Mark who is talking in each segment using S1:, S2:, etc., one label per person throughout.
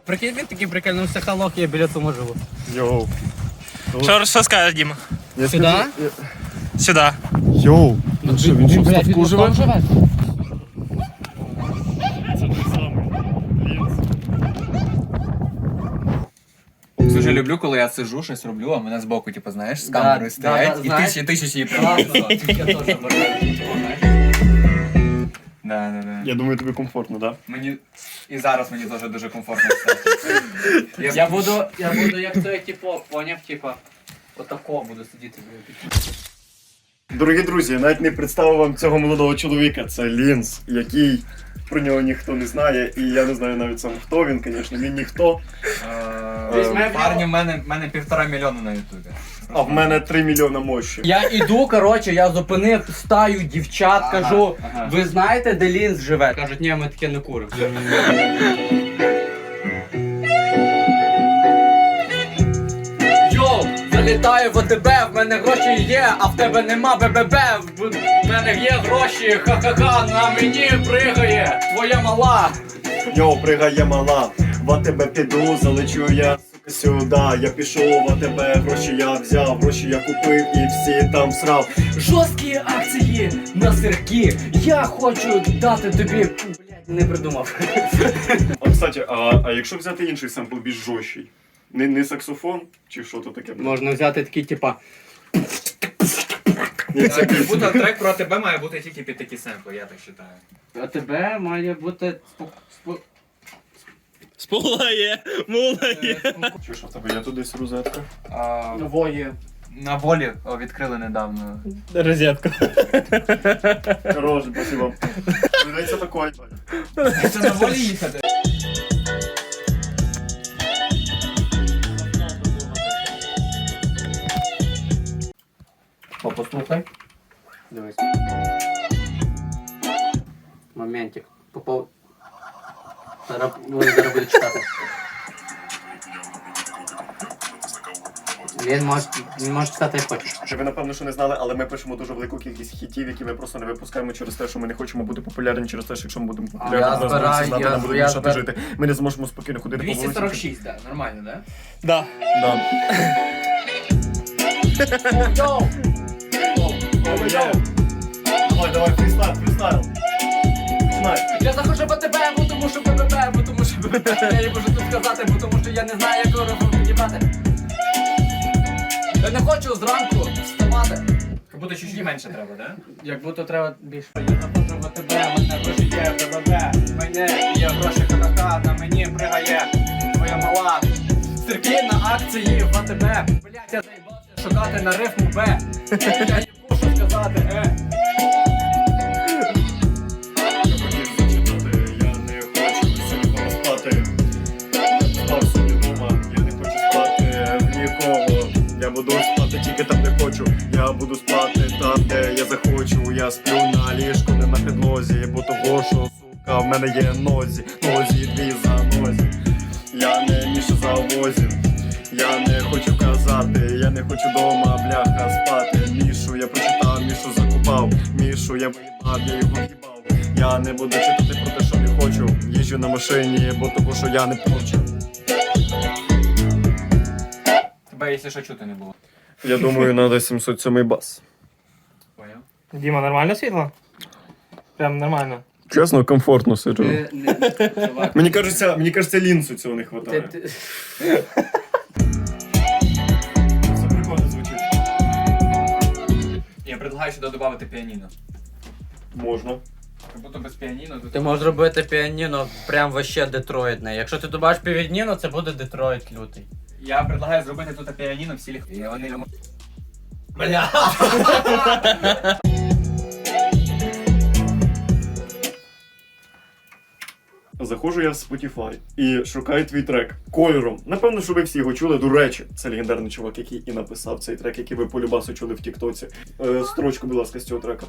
S1: Прикинь, він такий прикольнувся халок, я біля того живу.
S2: Йоу.
S3: Що скажеш, Діма?
S1: Сюди?
S3: Сюди.
S2: Йоу. Ну що, він що, в ставку живе?
S1: живе?
S2: Це той самий.
S4: Дуже люблю, коли я сижу, щось роблю, а мене збоку, типу, знаєш, з камерою стоять, і
S1: знаєш.
S4: тисячі її
S1: Класно,
S4: просто.
S1: я теж бажаю.
S4: Да.
S2: Я думаю, тобі комфортно, так?
S4: Мені і зараз мені теж дуже комфортно все.
S1: Я буду як той, типу, поняв, типу, отако буду сидіти.
S2: Дорогі друзі, я навіть не представив вам цього молодого чоловіка. Це Лінз, який про нього ніхто не знає. І я не знаю навіть сам хто він, звісно, він ніхто.
S4: Парні, в мене 1,5 мільйона на ютубі.
S2: А в мене 3 мільйона мощі.
S1: Я іду, коротше, я зупинив стаю дівчат, кажу, ви знаєте, де Лінз живе? Кажуть, ні, ми таке не куримо. Йоу, залітаю в АТБ, в мене гроші є, а в тебе нема БББ. В мене є гроші, ха-ха-ха, на мені пригає твоя мала.
S2: Йоу, пригає мала, в АТБ піду, залечу я сука сюди. Я пішов в АТБ, гроші я взяв, гроші я купив і всі там срав.
S1: Жорсткі акції на сирки, я хочу дати тобі... Блядь, не придумав.
S2: А кстати, а якщо взяти інший семпл більш жорсткий? Не саксофон чи що то таке?
S1: Можна взяти такі, типа...
S4: Як будто трек про тебе має бути тільки під такі семпли, я так вважаю.
S1: А тебе має бути...
S3: Спулає, мулає.
S2: Чи що в тебе є тут десь розетка?
S1: Нової.
S4: На волі відкрили недавно.
S3: Розетка.
S2: Хорош, спасибо. Придеться такое.
S4: Це на волі їхати?
S1: Послухай. Дивись. Моментик. Попов... Зараз буде читати. Він може читати як хочеш.
S2: Чи ви напевно, що не знали, але ми пишемо дуже велику кількість хітів, які ми просто не випускаємо через те, що ми не хочемо бути популярні, через те, що якщо ми будемо популярні,
S1: Я
S2: нас будуть
S1: збираю,
S2: всі знати,
S1: я-
S2: нам буде
S1: я
S2: мішати
S1: збир-
S2: жити. Ми не зможемо спокійно ходити по вулиці.
S4: 246, так, нормально, да?
S3: Да.
S2: Да.
S1: Йоу!
S2: Давай, фрістайл. Знай.
S1: Я захожу по тебе, бо тому що БББ, бо тому що БББ. Я не можу тут сказати, бо тому що я не знаю, як його підібрати. Я не хочу зранку вставати.
S4: Як будто чуть-чуть менше треба, да?
S1: Як будто треба більше. Я захожу в АТБ, мене гроші є, БББ. Мене є гроші, ха-ха-ха, на мені пригає твоя мала. Сирки на акції в АТБ. Блять, я заїбався шукати на рифму Б. Я не можу сказати,
S2: Я не хочу сьогодні спати. Спав собі дома, я не хочу спати в нікого. Я буду спати тільки там, де хочу. Я буду спати там, де я захочу. Я сплю на ліжку, не на підлозі, бо того, що, сука, в мене є нозі дві за нозі. Я не Міша завозів, я не хочу казати, я не хочу дома, бляха, спати. Мішу я прочитав, Мішу закупав, Мішу я виїбав, я його в'їбав. Я не буду читати про те, що не хочу. Їжджу на машині, бо того, що я не хочу.
S4: Тебе, якщо що, чути не було.
S2: Я думаю, надо 707 бас.
S4: Поняв?
S3: Діма, нормально світло? Прям нормально.
S2: Чесно, комфортно сиджу.
S1: Чувак.
S2: Мені кажеться, Лінсу цього не вистачає. Це прикольно звучить.
S4: Я предлагаю сюди додати піаніно.
S2: Можна.
S4: Як будто без піаніно, то
S1: Ти можеш робити піаніно прям вообще детроїдне. Якщо ти добавиш півідніно, це буде Детройт лютий.
S4: Я предлагаю зробити тут піаніно в стилі. І вони йому...
S1: Бля.
S2: Заходжу я в Spotify і шукаю твій трек кольором. Напевно, що ви всі його чули. До речі, це легендарний чувак, який і написав цей трек, який ви полюбасу чули в Тіктоці. Строчку, будь ласка, з цього трека.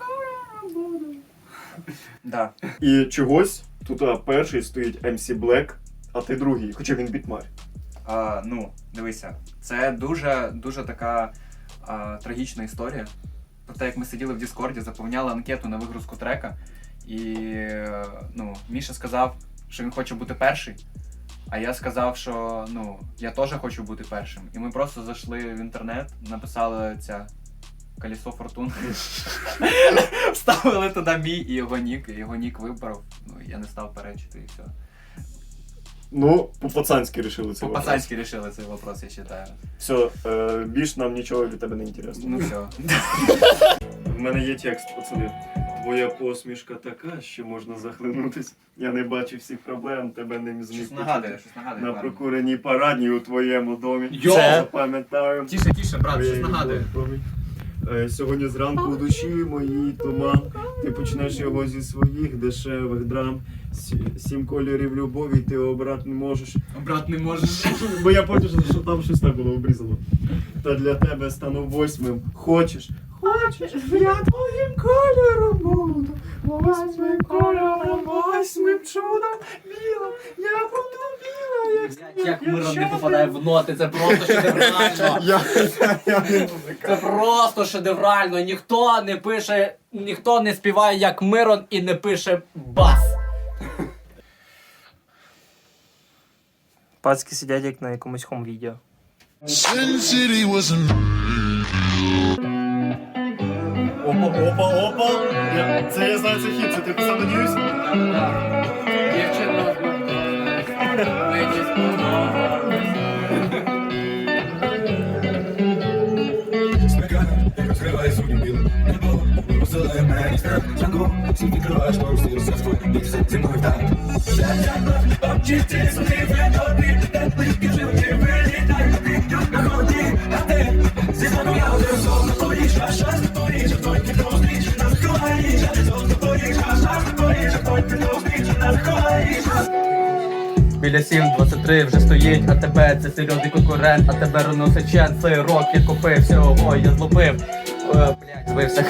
S4: Да.
S2: І чогось тут перший стоїть MC Black, а ти другий, хоча він бітмар.
S4: Ну, дивися, це дуже така трагічна історія. Про те, як ми сиділи в Діскорді, заповняли анкету на вигрузку трека. І ну, Міша сказав, що він хоче бути перший. А я сказав, що я теж хочу бути першим. І ми просто зайшли в інтернет, написали колесо фортуни. Вставили туди мій і його нік вибрав. Я не став перечити і все.
S2: Ну, по-пацанськи рішили це.
S4: По-пацанськи рішили цей вопрос, я вважаю.
S2: Все, більш нам нічого від тебе не інтересно.
S4: Ну все.
S2: В мене є текст, пацани. Твоя посмішка така, що можна захлинутись. Я не бачу всіх проблем, тебе не зміг
S4: Щось нагадує.
S2: на прокуреній парадній у твоєму домі.
S4: Йо!
S2: Запам'ятаю.
S4: Тише, брат, щось нагадує.
S2: Сьогодні зранку у душі моїй туман. Ти почнеш його зі своїх дешевих драм. 7 кольорів любові ти обрати не можеш.
S4: Брат, не можеш.
S2: Бо я потім, що там щось так було обрізано. Та для тебе стану 8. Хочеш, я твоїм кольором буду. 8 кольором, 8 чудом білим. Я буду біла,
S1: Як Мирон не попадає в ноти, це просто шедеврально.
S2: Я не музика.
S1: Це просто шедеврально. Ніхто не співає як Мирон і не пише бас.
S3: Пацки сидять як на якомусь хом-відео.
S5: Sin City was a
S2: Опа. Це я знаю, це хіт, це ти писав, надіюсь?
S1: Дівчино, мені сподобалось.
S6: Смекана, як розкриває сьогодні білим небо, посилає мене і страх Джанго, всім відкриваєш порусі, розсадство, бійся зі мною так. Обчисти свої вредобрі, теплички животі, вилітай, ти на ході, а ти зі мною я один зовно твої шаш, твої твої підозріч, нас ховаєш, зовно твої шаш, твої підозріч, нас ховаєш.
S1: Біля 7.23 вже стоїть, а тебе це серйозний конкурент, а тебе розносить чен, цей рок я купив, всього я злопив. Блять, збився.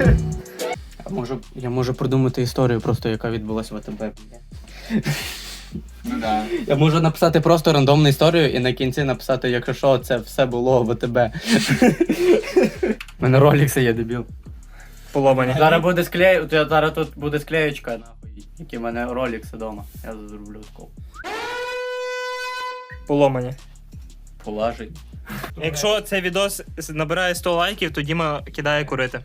S1: Я можу придумати історію просто, яка відбулася в АТБ.
S4: Ну да.
S1: Я можу написати просто рандомну історію і на кінці написати, якщо що, це все було в АТБ. У мене ролікси є, дебіл.
S3: Поломані.
S1: Зараз тут буде склеєчка, нахуй, які в мене ролікси вдома. Я зроблю таку.
S3: Поломані.
S1: Полажить.
S3: Якщо цей відос набирає 100 лайків, то Діма кидає курити.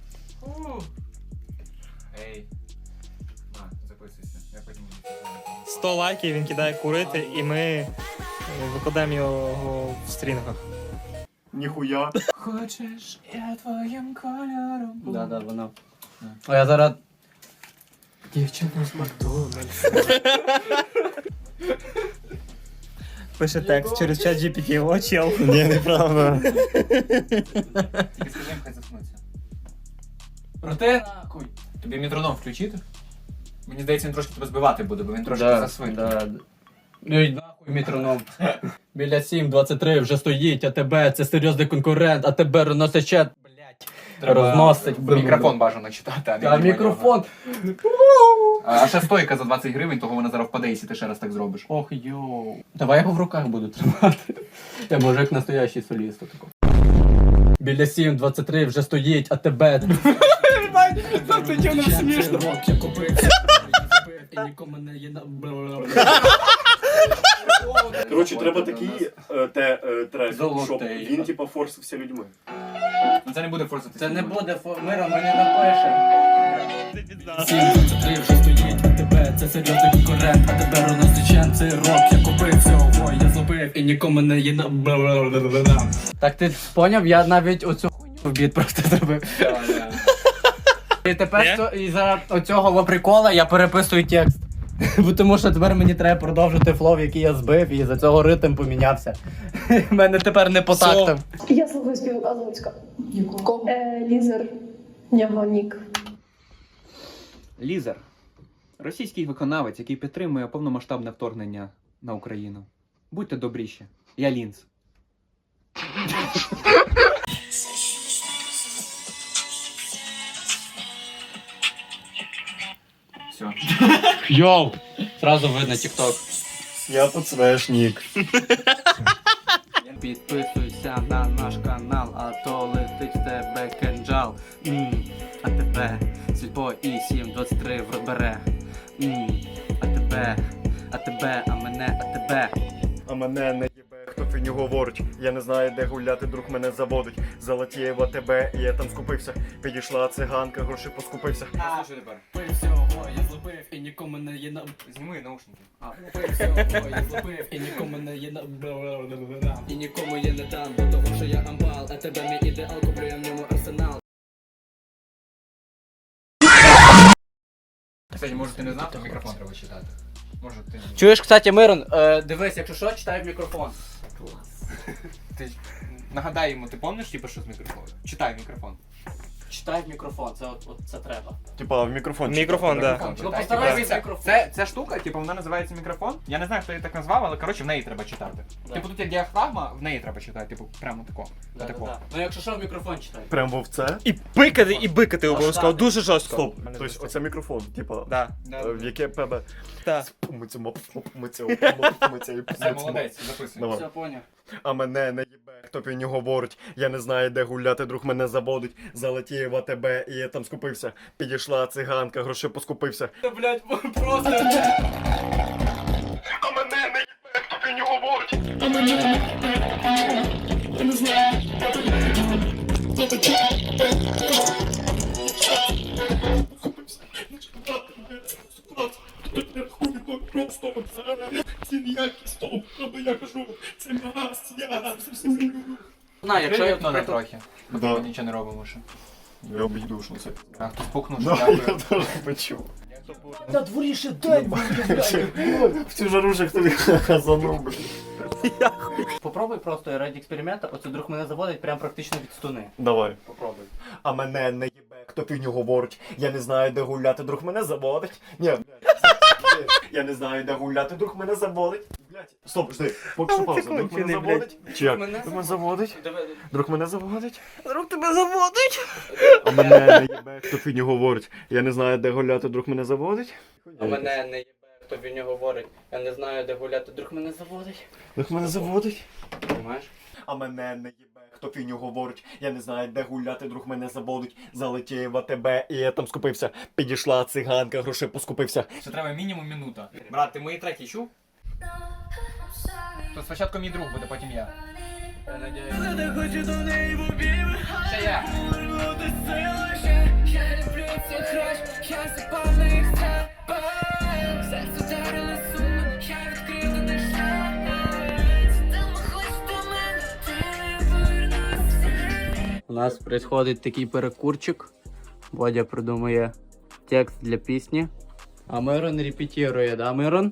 S4: Ей. Записуйся. Я потім буду.
S3: 100 лайків він кидає курити, і ми викладаємо його в стрінгах.
S2: Ніхуя.
S4: Хочеш, я твоїм кольором буду.
S1: Да, воно. А я зараз... Дівчина з Макдональдс.
S3: Пише текст через чат GPT. О, чел.
S2: Ні, неправда.
S4: Тільки скажи їм, хай заснуться. Проте, нахуй. Тобі метроном включити? Мені здається, він трошки тебе збивати буде, бо він трошки засвинь.
S1: Ой, нахуй метроном. Біля 7.23 вже стоїть, а тебе це серйозний конкурент, а тебе розносить чет, блять. Розносить.
S4: Мікрофон бажано читати,
S1: А мікрофон.
S4: А ще стойка за 20 гривень, того вона зараз впаде, якщо ти ще раз так зробиш.
S1: Ох, йоу. Давай я його в руках буду тримати. Я можу як настоящий соліст. Тако. Біля 7.23 вже стоїть, а тебе... Це тюно смішно. Рок я купив, і нікому не є на...
S2: Коротше, треба такий трек, щоб
S1: Золотий.
S2: він типа форсився людьми.
S4: Ну це не буде форсити.
S1: Це не буде Мира, ми не напишемо. 7.23 вже стоїть, а тебе це серйозний конкурент, а тебе розносить чен, це рок я купив, всього я злопив, і нікому не є на... Так ти поняв? Я навіть оцю хуйню в біт просто зробив. І тепер і за оцього прикола я переписую текст. Бо тому що тепер мені треба продовжити флоу, який я збив, і за цього ритм помінявся. У мене тепер не по тактам.
S7: Я слухаю співака Луцька. Якого? Лізер. Його нік.
S8: Лізер. Російський виконавець, який підтримує повномасштабне вторгнення на Україну. Будьте добріші. Я Лінз.
S4: Все.
S1: Йоу! Сразу видно тікток.
S2: Я подсвешник.
S1: Підписуйся на наш канал, а то летить в тебе кинджал. А тебе сільпо і 7.23 в рот бере. А тебе а тебе, а мене, а тебе.
S2: А мене не їбе, хто фіню говорить. Я не знаю, де гуляти, друг мене заводить. Залатієва тебе, і я там скупився. Підійшла циганка, гроші поскупився.
S4: Слушай тепер.
S1: Пив всього, я злопив і нікому не є на...
S4: Зніми наушники.
S1: Пив всього, я злопив і нікому не є на... І нікому я не дам, бо того, що я амбал, а тебе мій ідеал, куплю в ньому арсенал.
S4: Кстати, може ти не знав, то мікрофон треба читати. Може ти...
S1: Чуєш, кстати, Мирон, дивись, якщо що, читай в мікрофон.
S4: Ти нагадай йому, ти пам'ятаєш, типу, що з мікрофоном? Читай в мікрофон.
S1: Читай в мікрофон, це треба.
S2: Типа в мікрофон.
S3: Мікрофон, так.
S4: Мікрофон
S1: Ну,
S4: читай.
S1: постарайся
S4: Дивися,
S1: в мікрофон.
S4: Ця штука, типу, вона називається мікрофон. Я не знаю, хто її так назвав, але коротше в неї треба читати.
S1: Да.
S4: Типу тут є діафрагма, в неї треба читати, типу, прямо тако. Отако.
S1: Ну якщо що, в мікрофон читай.
S2: Прям був це?
S3: І пикати, і бикати обов'язково,
S1: так.
S3: дуже жорстко.
S2: Стоп. Тобто оце мікрофон, типа.
S3: Да.
S2: В яке пебе.
S3: Так.
S4: Все, молодець, записуй.
S2: Давай.
S1: Все, поняв.
S2: А мене не їбе, хто півню говорить. Я не знаю, де гуляти, друг мене заводить. Залетієва тебе, і я там скупився. Підійшла циганка, гроші поскупився.
S1: Та, блядь, просто...
S2: А мене не їбе, хто півню говорить. А мене не їбе, я не знаю, де ти.
S1: Знаю, якщо я...
S4: Вікно не трохи. Бо
S2: Да.
S4: ми нічого не робимо ще.
S2: Я обійду, що це.
S4: А хтось пукнув, що
S2: Да, я
S4: дякую.
S2: теж почув.
S1: На дворі ще день,
S2: В цю жару же хто хазанув, блядь.
S1: Попробуй просто ради експеримента, оце друг мене заводить прям практично від стуни.
S2: Давай.
S1: Попробуй.
S2: А мене не їбе, хто півню говорить. Я не знаю, де гуляти, друг мене заводить. Ні, блядь. Я не знаю, де гуляти, друг мене заводить. Блядь. Стоп, жди. Поки що пауза. Друг мене заводить. Чи як?
S1: Мене
S2: Друг мене заводить. Друг мене заводить.
S3: Друг тебе заводить.
S2: А мене не їбе, хто фігню говорить. Я не знаю, де гуляти, друг мене заводить.
S1: А мене не їбе, хто від нього говорить. Я не знаю, де гуляти, друг мене заводить.
S2: Друг мене заводить.
S1: Понимаєш?
S2: А мене не їбе, хто фігню говорить. Я не знаю, де гуляти, друг мене заводить. Залетієва тебе, і я там скупився. Підійшла циганка, грошей поскупився.
S4: Ще треба мінімум минута. Брат, ти мої треки чув? То спочатку мій друг буде, потім я.
S1: Я надіюсь.
S4: Ще я.
S1: У нас происходить такий перекурчик. Бодя придумує текст для пісні. А Мирон репетирує, да, Мирон?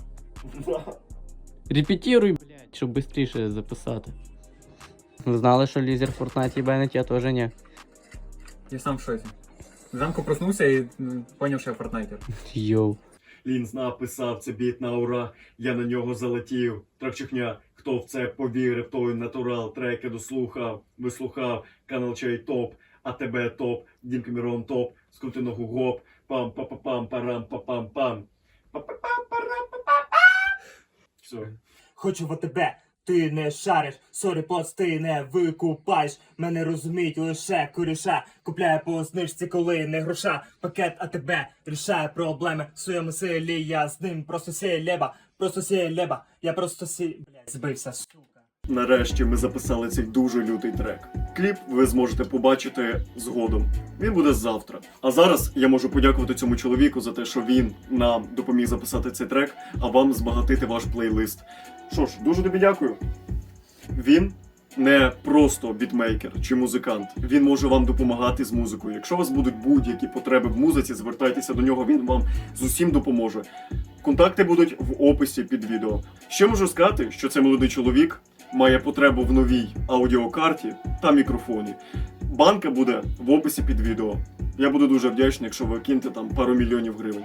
S1: Репетируй, блядь, щоб швидше записати. Ви знали, що лізер в Фортнайті бенить, я теж ні.
S4: Я сам в шоці. Зранку проснувся і поняв, що я фортнайтер.
S1: Йоу.
S2: Лінз написав це біт на ура, я на нього залетів. Тракчихня, хто в це повірив, той натурал, треки дослухав, вислухав, канал чай топ, а тебе топ, Дім Камерон топ, скрути ногу гоп, пам па па пам парам па пам пам па па пам парам па пам Все.
S9: Хочу в тебе, ти не шариш, сорі, поц, ти не викупаєш. Мене розуміють лише коріша. Купляє по знижці, коли не гроша. Пакет АТБ рішає проблеми в своєму селі. Я з ним просто сєлєба, я просто блядь, збився, сука.
S2: Нарешті ми записали цей дуже лютий трек. Кліп ви зможете побачити згодом. Він буде завтра. А зараз я можу подякувати цьому чоловіку за те, що він нам допоміг записати цей трек, а вам збагатити ваш плейлист. Що ж, дуже тобі дякую. Він не просто бітмейкер чи музикант. Він може вам допомагати з музикою. Якщо у вас будуть будь-які потреби в музиці, звертайтеся до нього, він вам з усім допоможе. Контакти будуть в описі під відео. Ще можу сказати, що цей молодий чоловік має потребу в новій аудіокарті та мікрофоні. Банка буде в описі під відео. Я буду дуже вдячний, якщо ви кинете там пару мільйонів гривень.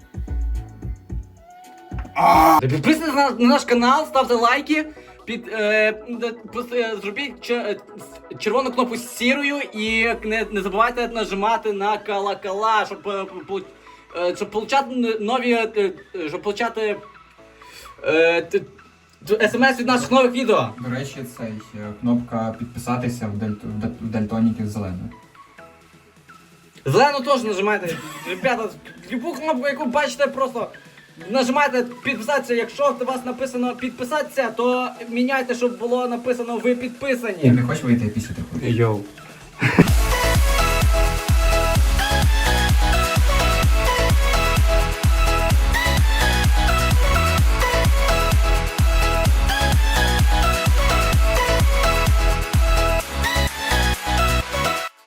S1: Підписуйтесь на наш канал, ставте лайки, зробіть червону кнопку з сірою і не забувайте нажимати на колокола, щоб получати нові, щоб получати смс від наших нових відео.
S4: До речі, цей кнопка підписатися в дальтоніків зеленою.
S1: Зелену теж нажимайте. Ребята, любу кнопку, яку бачите, просто Нажимайте підписатися, якщо у вас написано підписатися, то міняйте, щоб було написано ви підписані.
S4: Ти не хочеш вийти після такого?
S3: Йоу.